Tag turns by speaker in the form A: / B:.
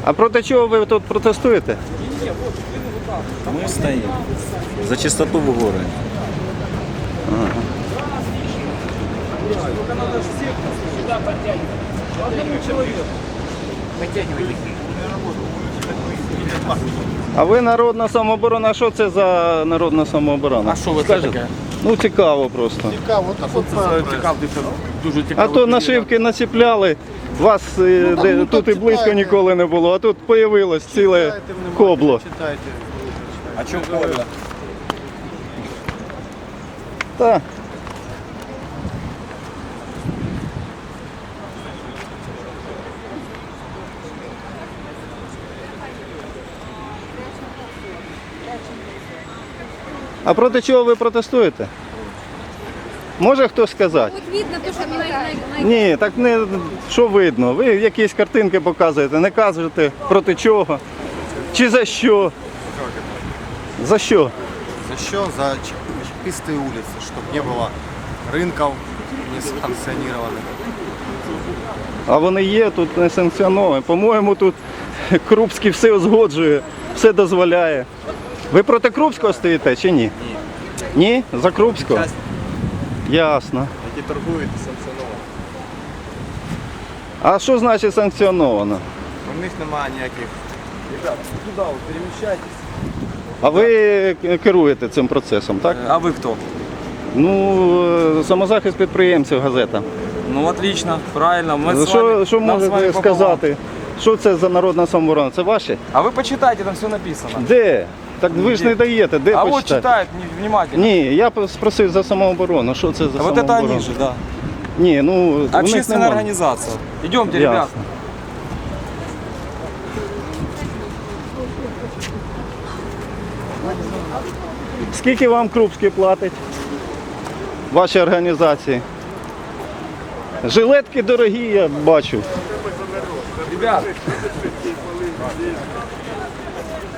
A: А проти чого ви тут протестуєте?
B: Мы стоим за чистоту в городе.
A: А ви народна самооборона, а що це за народна самооборона?
C: А що ви
A: Скажете?
C: таке?
A: Ну цікаво просто.
C: Дуже
A: А
C: цікаво.
A: то нашивки націпляли, вас тут і близько ніколи не було, а тут появилось ціле кобло.
B: А что поле?
A: Та. А проти чого ви протестуєте? Може хтось сказати?
D: Вот видно то, что на
A: Ні, так не що видно. Ви якісь картинки показуєте, не кажете проти чого. Чи за що? За що?
E: За что? За чистые улицы, чтобы не было рынков несанкционированных.
A: А вони є тут не санкціоновані. По-моєму, тут Крупський все узгоджує, все дозволяє. Ви проти Крупського стоїте чи ні? Ні. Ні? За Крупського? Ясно.
E: Які торгують санкціоновано.
A: А що значить санкціоновано?
E: У них немає ніяких. Ребята, туди от переміщайтесь.
A: А ви керуєте цим процесом, так?
B: А вы кто?
A: Ну, самозахист підприємців, газета.
B: Ну отлично, правильно. Мы с
A: Що
B: вами, нам с вами
A: можете
B: пополам.
A: сказати? Що це за народна самооборона? Це ваші?
B: А вы почитайте, там все написано.
A: Де? Так ви ж не даєте, де
B: А вот
A: почитати?
B: читают внимательно.
A: Ні, я спросив за самооборону. Що це за
B: А вот
A: самооборона?
B: это они же, да.
A: Ні, ну, у них
B: Общественная
A: нема.
B: организация. Идемте, ребят.
A: Ясно. Скільки вам Крупський платить? Вашій організації? Жилетки дорогі, я бачу.
B: Ребят,